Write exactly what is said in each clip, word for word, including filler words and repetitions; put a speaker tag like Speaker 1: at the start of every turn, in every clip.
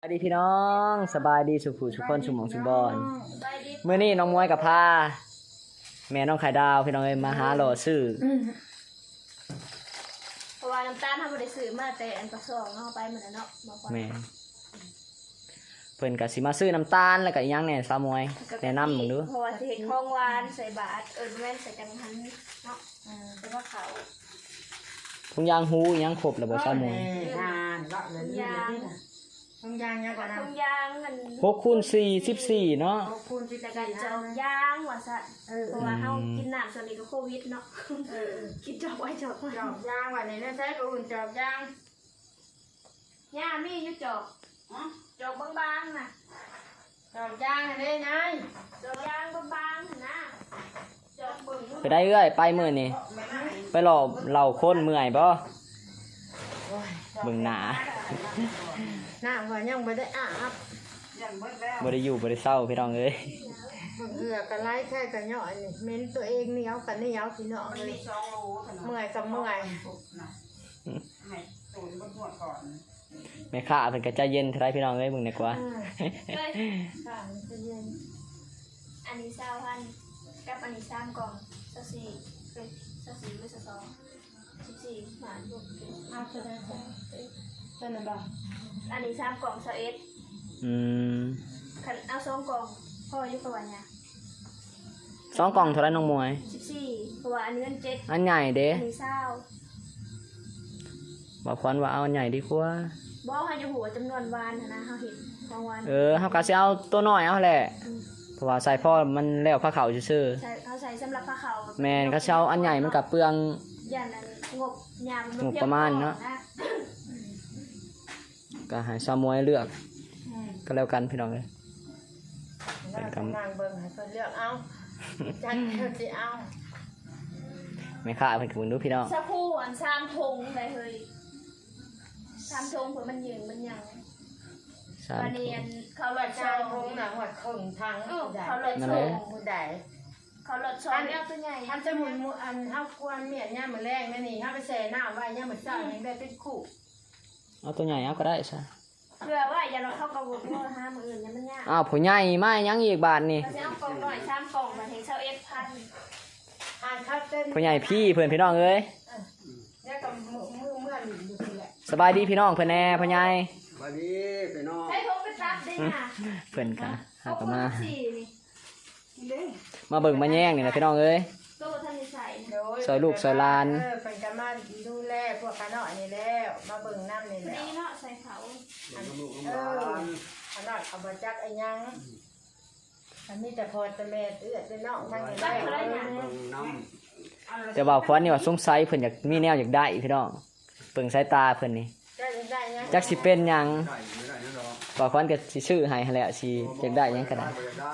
Speaker 1: สวัสดีพี่น้องสบายดีสุขุสุขคนสุขหมองสุขบอลเมื่อนี้น้องมวยกับพาแม่น้องไข่ดาวพี่น้องเอ้ยมาหาหล่อซื้อ
Speaker 2: เพราะว่าน้ำตาลทำบริสุทธิ์มาแต่อันประสองเนาะไปเหมือนเนาะแม่
Speaker 1: เพิ่นก็สิมาซื้อน้ำตาลแล้วก็อีหยังแหน่สาวมวยแนะนำมึงดู
Speaker 2: เพราะว่าสิเห็นของหวานใส่บาตรเอิ้นแม่นใส่จังหันเนาะแต่ว่าเขา
Speaker 1: ทุงยางหูอีหยังครบแล้วบ่สาวมวย
Speaker 3: งานเลาะเลยยางทงยางยังก่อนนะ
Speaker 2: ทงยางมัน
Speaker 1: หกคูณสี่ สิบสี่เนาะ
Speaker 3: หกคูณสิบ
Speaker 2: แต่กันจอกยางว่าซั่นเพราะว่าเฮากินน้ำส่วนนี้ก็โควิดเนาะเออกินจอกไว้จอกไว้
Speaker 3: จอกยางวันนี้นะใช้ก็อุ่นจอกยาง
Speaker 2: ย่ามีอยู่จอกจอกบางๆน่ะ
Speaker 3: จอกยางได้ไง
Speaker 2: จอกยางบางๆนะจอกเบิ่ง
Speaker 1: ไปได้เอ้ยไปมื้อนี้ไปหล่อเหล่าคนเมื่อยบ่เบิ่งหน้า
Speaker 3: หน้าว่ายังบ่ได้อาบ
Speaker 1: บ่ได้อยู่บ่ได้เศร้าพี่น้องเอ้ย
Speaker 3: เหือกระไล่แค่กระเหยาะนี่เม้นตัวเองนี่เอากันนี่เอาพี่น้องเลยเมื่อยกับเมื่อย
Speaker 1: แม่ค้าเพิ่นก็ใจเย็นเท่าไรพี่น้องเอ้ยเบิ่งดีกว่า
Speaker 2: อันนี้เศร้าพันกับอันนี้สามกล่องเศร้าสี่เอ้ยเศร้าสี่ไม่เศร้าสองสิบสี่หมาลูก
Speaker 3: เอาจะได้เป็นอะไรบ้าง
Speaker 2: อันนี้สามกล่องเศร้าเอ็ด
Speaker 1: อืม
Speaker 2: คันเอาสองกล่องพ่ออยู่ประมาณเนี่ย
Speaker 1: สองกล่องเท่าไรน้องมวย
Speaker 2: สิบสี่เพราะว่าอันนี้มันเจ็ด
Speaker 1: อันใหญ่เด้
Speaker 2: อันนี้เศร้า
Speaker 1: บอกควันว่าเอาอันใหญ่ดีกว่า
Speaker 2: บอกให้อยู่หัวจำนวนวานนะเขาเห็นบางวัน
Speaker 1: เออเขาก็สิเอาตัวน้อยเอาแหละเพราะว่าใส่พ่อมันแล้วผ้าขาวซื่อ
Speaker 2: ใช่เขาใส่สำหรับผ้าขาว
Speaker 1: แมนเขาเอาอันใหญ่มันกับเปลือง
Speaker 2: ยันนั้นงบยาม
Speaker 1: งบประมาณเนาะก็ให้สาวมวยเลือกก็แล้วกันพี่น้องเลย
Speaker 3: เป็นกำลังเบิ่งให้เพิ่นเลือกเอาจัดเพิ่นสิเอา
Speaker 1: ไม่ค่าเพิ่นก็ดูพี่น้อง
Speaker 2: สักคู่อันสามทงได้เฮ้ยสามทงเผื่อมันยืนมันยังวันนี้เขาหลอด
Speaker 3: ชาทงหนังหัดครึ่งทาง
Speaker 2: เขาหลอดชง
Speaker 3: มือใด
Speaker 2: เขาหลอดชงเนี่ยตัวใหญ่
Speaker 3: ท่านจะหมุนมืออันเท้ากวนเมียนเนี่ยมือแรกนี่นี่ถ้าไปแช่น้ำไว้เนี่ยมือเจ้ายังได้เป็นคู่
Speaker 1: เอาตัวใหญ่เอาก็ได้ใช่
Speaker 2: เพื่อว่าอย่าเราเข้ากระบอกโม่ห้ามืออื่นเนี่ยมันยาก
Speaker 1: อ้าวผู้ใหญ่มายังอีกบาทนี่
Speaker 2: เราจะเอากล่องหน่อยสามกล่องมาถึงเช้าเอฟพัน
Speaker 3: อ่านคัดเต้น
Speaker 1: ผู้ใหญ่พี่เพื่อนพี่น้องเอ้ย
Speaker 3: เนี่ยกับมือมือเมื่อหลีอยู่ทีแหละ
Speaker 1: สบายดีพี่น้องเพื่อนแน่ผู้ใหญ่
Speaker 4: สบายดีพี่น้อง
Speaker 2: ใช้ทงไปรับได้ไง
Speaker 1: เพื่อนกันหากมา
Speaker 2: นี่
Speaker 1: มาเบิ่งมาแย่งนี่นะพี่น้องเอ้ยซอยลูกซอยลาน
Speaker 3: เออเป็นกันมาดูแลพวกข้าน้อยนี่แล้วมาเบิ่งน้ำนี่แหละ
Speaker 2: นี่เนาะใส่เขา
Speaker 3: เออข้าน้อยเอามาจักไอ้ยังอันนี้แต่พอจะแม่เอื้อเป็นน้องทั้งนี้ได้
Speaker 1: แต่ว่าควันนี่ว่าสงสัยเพิ่นอยากมีแนวอยากได้พี่น้องเบิ่งสายตาเพิ่นนี่จักสิเป็นหยังว่าควันก็สิซื้อให้แหละสิอยากได้หยังก็ได้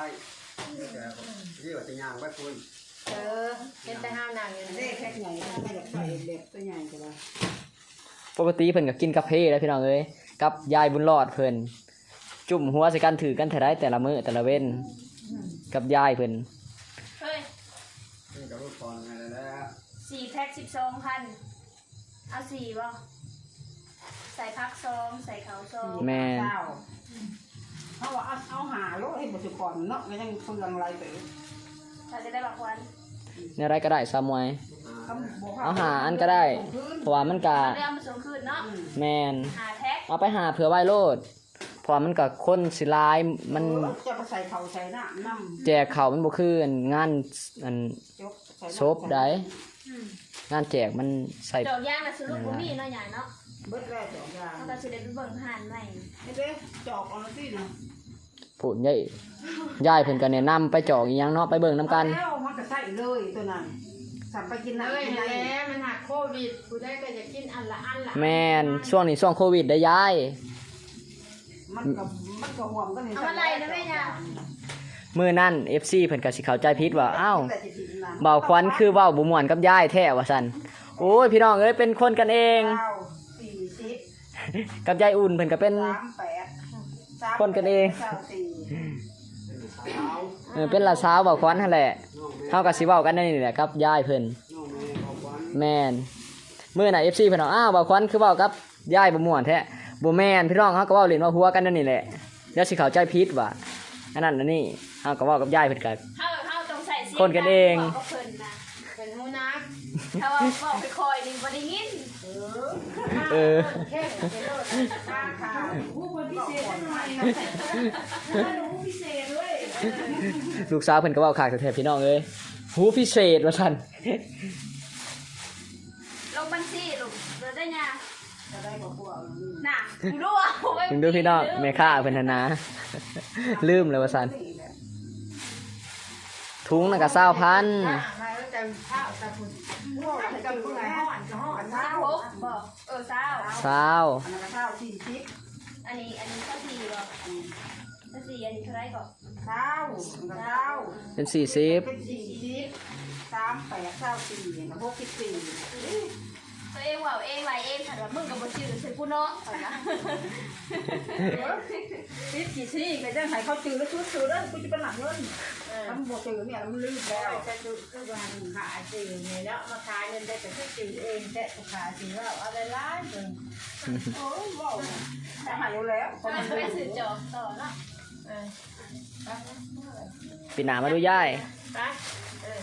Speaker 4: ที่ว่าจะย่างไว้คุณ
Speaker 3: เออเป็นแต่ห้าวหนังอย่างนี้แค่ใหญ่ไม่อยากใส่เด็กตัวใหญ่ก็ได้
Speaker 1: ปกติเพิ่นก็กินกาแฟแล้วพี่น้องเอ้ยกับยายบุญรอดเพิ่นจุ่มหัวใส่กันถือกันเท่าไรแต่ละมื้อแต่ละเว้นกับยายเพิ่น
Speaker 2: เฮ้ย
Speaker 4: กับลูกก่อนไงแล้ว
Speaker 2: สี่แพ็คสิบสองพันเอาสี่บ่ใส่พักซองใส่เขาซอง
Speaker 1: แม่
Speaker 3: เขาว่าเอาหาโลให้บุตรก่อนเนาะไม่ต้องเปลืองอะไรไป
Speaker 2: เราจะได้บักวัน
Speaker 1: ในอะไรก็ได้ซ้ำไว้เอาหาอันก็ได้เพราะว่ามันกะแมนเอาไปหาเผื่อไว้โลดเพราะมันกะคนสิลายมัน
Speaker 3: จะไปใส่เขาใส่น้ำน้
Speaker 1: ำแจกเขามันบ่คืองานอันซบได้งานแจกมันใส่
Speaker 2: ดอกย่างน่ะซื้อลูกบ่มีเนาะใหญ่เนาะ
Speaker 3: เบิดแล้วดอกย่าง
Speaker 2: เราก็สิได้ไปเบิ่งห่านใหม่
Speaker 3: เด้จอกเอาสิเนาะ
Speaker 1: พูดใหญ่ยายเพิ่นก็แนะนำไปจอกอีหยังเนาะไปเบิ่งนำกัน
Speaker 3: แล้วมันก็ใส่เลยตัวนั้นสั่งไปกินเลยแล้วมันหักโควิดกูได้ก็จะกินอันละอันละ
Speaker 1: แม่นช่วงนี้ช่วงโควิดได้ยาย
Speaker 3: มันก็มันก็ห่วงก็นี่
Speaker 2: เอาอะไรนะแม่ย่า
Speaker 1: มื้อนั้น เอฟ ซี เพิ่นก็สิเข้าใจผิดว่าอ้าวเบาควันคือเว้าบ่ม่วนกับยายแท้ว่าซั่นโอ้ยพี่น้องเอ้ยเป็นคนกันเองกับยายอุ่นเพิ่นก็เป็นคนกันเองเออเป็นละสาวเบาควันนั่นแหละเฮาก็สิเว้ากันนี่แหละครับยายเพิ่นแม่นมื้อน่ะ เอฟ ซี เพิ่นเอาอ้าวเบาควันคือเว้ากับยายบ่ม่วนแท้บ่แม่นพี่น้องเฮาก็เว้าเล่นว่าหัวกันนั่นนี่แหละเดี๋ยวสิเข้าใจผิดว่าอันนั้นอันนี้เฮาก็เว้ากับยายเพิ่นก็
Speaker 2: เฮาเฮาต้องใส่เสียง
Speaker 1: คนกันเอง
Speaker 2: บอกกับเพิ่นนะ
Speaker 3: เป็นหูนัก
Speaker 2: ถ้าว่าบอกไปคอยนี่บ่ได้ยิน
Speaker 1: เออ
Speaker 3: แค่ไปโลดข้าขาผู้คนพิเศษหน่อยหนูพิเศษด้วย
Speaker 1: ลูกสาวเพิ่นก็เว้าคักแท้ๆพี่น้องเอ้ยหูพิเศษว่าซั่น
Speaker 2: ลงบัญชีลูกเดี๋ยวได้ยา
Speaker 3: จะได้บอกพวก
Speaker 2: น่ะกูรู้ว่าไว้
Speaker 1: ถึงดูพี่น้องแม่ค้าเพิ่นหั่นนะ ลืมเลยว่าซั่นถุงน่ะก็เก้าพัน
Speaker 3: มาแล้วจะข้าวจะคุณห่อจะคุณไหนห่อนจะห่อน
Speaker 2: สา
Speaker 3: เช้าว
Speaker 2: บอกเออสาว
Speaker 1: เศร้า
Speaker 3: อันนั้นข้าวสี่สิบ
Speaker 2: อันนี้อันนี้ข้าวสี่บอกข้าวสี่อันนี้เท่าไหรก่อน
Speaker 3: เช้าเช้า
Speaker 1: เป็นสี่สิบ
Speaker 3: เป็นสี่สิบสามแปดเก้าสี่หกสิบสี่
Speaker 2: ตัวเองว่าเองไรเองถัดว่ามึงกับบ่ชื่อใส่กูเนาะเอานะ
Speaker 3: สิบสี่สี่ก็จะให้เขาจืดแล้วชุดจืดแล้วกูจะเป็นหลังเงินทำบวกจืดเนี่ยมันลืมแล้วจะจืดก็วันขายจืดเนี่ยแล้วมาขายเงินได้แต่จืดเองแต่ขายจืดแล้วอะไรร้ายเลยโอ้ยว้าวจะหายแล้ว
Speaker 2: เอาไปสื่อจอบต่อเนาะ
Speaker 1: ปีหน้ามาดูยาย
Speaker 3: ไปเออ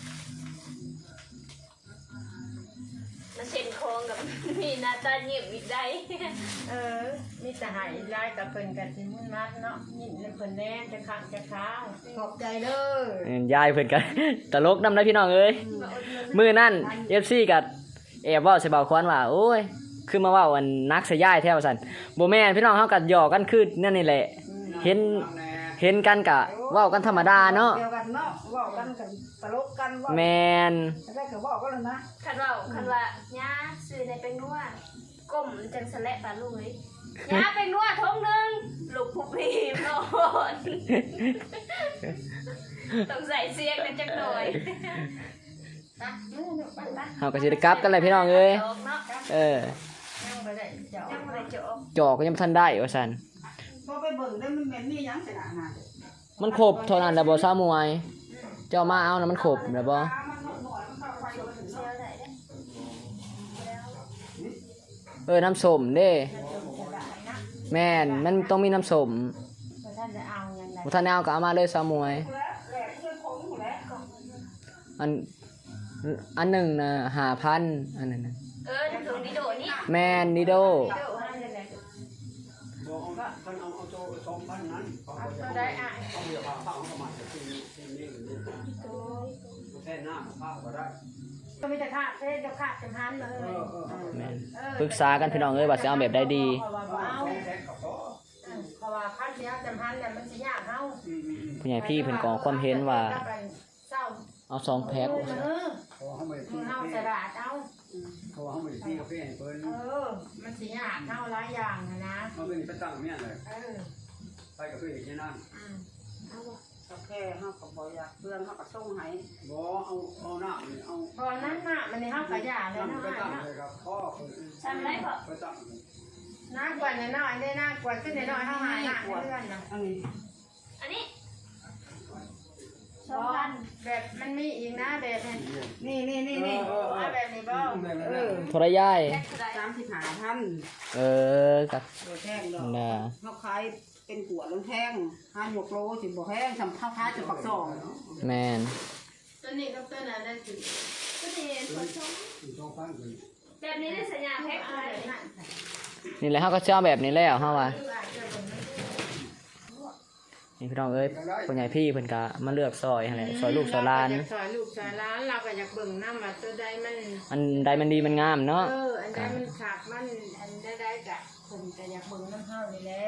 Speaker 2: มาเช็นโครงกับ มีหน้าตาเงียบอีกได้
Speaker 3: เออมีแต่หายร้ายกับเพิ่นกันสิมุ่นมัดเนาะยิ่งเพิ่นแน่จะขังจะค้างขอบใจเด้อย
Speaker 1: ายเพิ่นก็ ตลกนำได้พี่น้องเอ้ยมื้อนั้น เอฟ ซี ก็แอบเว้าใส่เบาควันว่าโอ้ยคือมาเว้าอันนักใส่ยายแท้ว่าซั่นบ่แม่นพี่น้องเฮาก็หยอกกันคือนั่นนี่แหละ เห็นเห็นกันก็เว้ากันธรรมดาเนาะ
Speaker 3: เดียวกันเนาะว่ากันกันตลกกันว่า
Speaker 1: แม่น
Speaker 3: ได้ก็บอกกันแล้วนะ
Speaker 2: คันว่าคันว่าย่าซื้อในเป็นนัวก้มจังสะและปลาลูกเลยย่าเป็นนัวทงหนึงลูกผู้พีมโนอนต้องใส่เสียงกันจักหน่อย
Speaker 1: เฮาก็สิได้กลับกันเลยพี่น้องเอ้ย
Speaker 2: จอกเนาะ
Speaker 1: เออ
Speaker 3: ยังบ่ได้เจ้า
Speaker 2: ยังบ่ได้จอก
Speaker 1: จอกก็ยังบ่ทันได้ว่าซั่น
Speaker 3: พอไปเบิ่งได้มันแม่นมีหยังสิล่ะนะ
Speaker 1: มันครบเท่านั้นแล้วบ่ซามวย เจ้ามาเอานะมันครบแล้วบ่
Speaker 2: เชื่อได้เด้
Speaker 1: เออน้ำส้มเด้แม่นมันต้องมีน้ำส้ม
Speaker 3: บ่ท่านจะเอาหยังไง
Speaker 1: บ่ทันได้เอาก็เอามาเลยซามวย อันอันหนึ่งนะห้าพันอันนั้นน่ะ
Speaker 2: เออถึงวิดีโอนี้
Speaker 1: แม่นนิโด
Speaker 2: วิดีโอให้เลย
Speaker 4: บอกเอาละท่านเอาเอาโจสองพันนั้นเขา
Speaker 3: เอา
Speaker 4: จะ
Speaker 3: ตัวได้อ่ะ
Speaker 4: เอาเรือพาข้าวเข้ามาที่นี่ที่นี่หรือนี่แค่หน้าข้าวก็ได้
Speaker 3: ก็มีแต่ค่าเด้จะค่าจังหันเลย
Speaker 4: เออเออเออ
Speaker 1: แม่นปรึกษากันพี่น้องเอ้ยว่าสิเอาแบบใดดี
Speaker 3: เอาว่าบ่เอา
Speaker 4: แค่เขาก็
Speaker 3: เพราะว่าคันเสียจังหันน่ะมันสิยากเฮา
Speaker 4: อืมอืมอืม
Speaker 1: ผู้ใหญ่พี่เพิ่นก็ความเห็นว่า
Speaker 3: เศร้า
Speaker 1: เอาสองแพ็ค
Speaker 3: เออ
Speaker 4: เขาเขาไม่
Speaker 3: มึ
Speaker 4: ที่
Speaker 3: งเฮา
Speaker 4: เขา
Speaker 3: สลาดเอา
Speaker 4: เขาไม่ที่กาแฟเพิ่น
Speaker 3: เออ มันสิยากเฮาหลายอย่างนะนะ
Speaker 4: มันเป็นไปตั้งเนี่ยเลย
Speaker 3: เออ
Speaker 4: ไปกับเพื่อนอีกแค่นั้น
Speaker 3: อืมเอาบ่โอเคเฮาก็บ่อยากเพื่อนเฮาก็ส่งให้
Speaker 4: บ่เอาเอาหน้านี่เอา
Speaker 3: พอนั้นน่ะมันนี่เฮาก็ยาเลย
Speaker 4: ตั้ง
Speaker 3: เนาะ
Speaker 4: ไปตั้ง
Speaker 3: เนาะ
Speaker 4: เลยครับพ่อเพิ่น
Speaker 2: ทำไรพอ
Speaker 4: ไปตั้ง
Speaker 3: น้ากว่าน้อยๆได้น้ากว่าขึ้นน้อยๆเฮาหาหน้าเพื่อนน่ะ
Speaker 2: อันนี้สองพัน
Speaker 3: แบบมันมีอีกนะแบบนี้นี่นี่นี่เอาแบบนี้บ่เออ
Speaker 1: โทรยาย
Speaker 2: แจ็คเท่าไหร่
Speaker 3: สามสิบห้าพัน
Speaker 1: เออกับ
Speaker 3: ตัวแท่งดอก
Speaker 1: น่ะ
Speaker 3: เขาขายเป็นขวดลงแท่งห้าหกโลสิบบ่แห้งทำข้าวค้าจะปักซอง
Speaker 1: แม่น
Speaker 3: ตัวนี้กับตัวนั้นได้สิ
Speaker 2: ก็ดีคนชม
Speaker 4: สองพันเพิ่น
Speaker 2: แบบนี้ได้สัญญาแพ็คเท่าไหร่
Speaker 1: นี่แหละเฮาก็สิเอาแบบนี้แล้วเฮาว่านี่พี่น้องเอ้ยผู้ใหญ่พี่เพิ่นก็มาเลือกซอยหั่นแหละซอยลูกซอยหลาน
Speaker 3: ซอยลูกซอยหลานเราก็อยากเบิ่งน้ำว่าตัวใดมัน
Speaker 1: อันใดมันดีมันงามเนาะ
Speaker 3: เอออันใดมันฉากมันอันใดได้กะผมจะอยากเบิ่งน้ำเฮานี่แหละ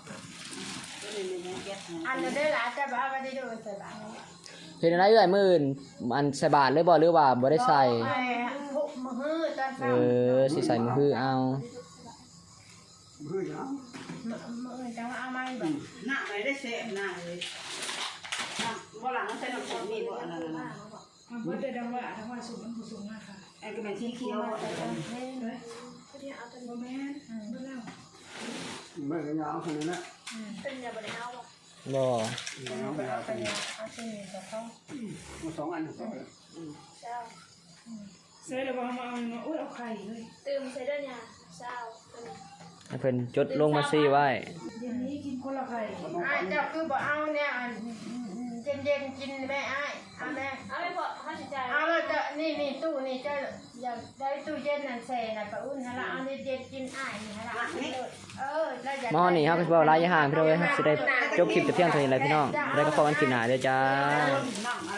Speaker 3: อันนั้นได้หลานจะบ่เอาไปได้ดูใส่บาตร
Speaker 1: เฮ็ดอะไรเอ้ยมื้ออื่นอันใส่บาทเลยบ่หรือว่าบ่ได้ใส่
Speaker 3: ทุกมื้อตอน
Speaker 1: เอ
Speaker 3: เช้า
Speaker 1: อสิใส่มือฮือเอา
Speaker 4: เฮ้ยนะ
Speaker 3: มื้อจังว่าเอามาบ่หน้าไหนได้แซ่บหน้าเลยบ่หลังใส่น้ำส้มนี่บ่อันนั้นน่ะ
Speaker 5: มันก็ได้ดังว่าดังว่าสูงมันสูงมากค่ะ
Speaker 3: ไอ้ก็เป็นสีเขียวบ่อันนั้น
Speaker 5: เลยโมแมนเมื่อแล้ว
Speaker 4: ไม่ได้ยาวขนาดนั้น
Speaker 2: เป็นยาบริเอาบ่
Speaker 1: บ่
Speaker 3: เอาไปเอาไปเอาที่นี่กับเขา
Speaker 4: มันสองอันสองอัน
Speaker 2: เช้า
Speaker 5: เสร็จแล้วมาเอาเนาะอุ้ยเอาไข่เลย
Speaker 2: ตื่มใส่เด้อยาเช้าเป็น
Speaker 1: ให้เพิ่นจดลงมาซี่ไว้
Speaker 5: เย็นนี้กินคนละไข่
Speaker 3: อ้ายเจ้าคือบ่เอาเนี่ยเย็นเย็นๆกินแม่อ้ายเอาแม่
Speaker 2: เอาไปพอห้าสิบใจ
Speaker 3: เอาแล้วจะนี่นี่ตู้นี่เจ้าอยากได้ตู้เย็นนั่นแซ่น่ะปะอุ่นฮะละเอานี่เย็นกินอ้ายนี่ฮะละเออแล้วอยาก
Speaker 1: หม้อนี่เฮาก็สิเว้าหลายอย่างพี่น้องเอ้ยครับสิได้จบคลิปแต่เพียงเท่านี้แหละพี่น้องแล้วก็พบกันคลิปหน้าเด้อจ้า
Speaker 3: น้อง